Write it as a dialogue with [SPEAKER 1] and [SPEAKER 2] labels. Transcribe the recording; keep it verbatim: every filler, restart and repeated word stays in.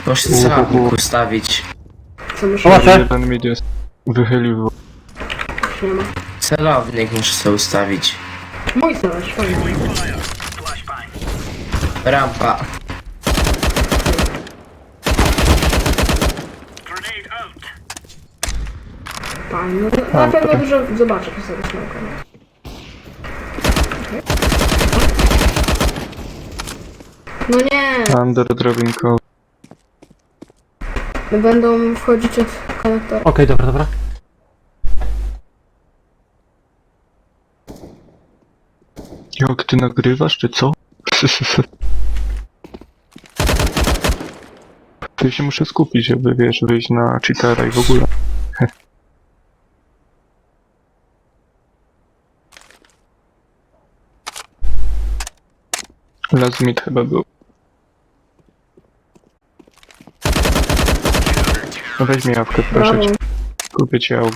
[SPEAKER 1] Muszę celownik ustawić.
[SPEAKER 2] Co muszę
[SPEAKER 3] Proszę.
[SPEAKER 4] Jeden mid jest. Wychylił.
[SPEAKER 2] Nie ma.
[SPEAKER 1] Celownik muszę sobie ustawić.
[SPEAKER 2] Mój celownik, fajnie.
[SPEAKER 1] Rampa.
[SPEAKER 2] Fajnie, no to na pewno dużo zobaczę po sobie smoka. No nie,
[SPEAKER 4] Under drabinkowy.
[SPEAKER 2] będą wchodzić od konektora.
[SPEAKER 3] Okej, dobra, dobra.
[SPEAKER 4] Jak ty nagrywasz, czy co? To się muszę skupić, żeby wiesz, wyjść na cheatera i w ogóle. Last mid chyba był. No weź mi jawkę, proszę
[SPEAKER 2] Brawo.
[SPEAKER 4] cię. Kupię ci jawkę.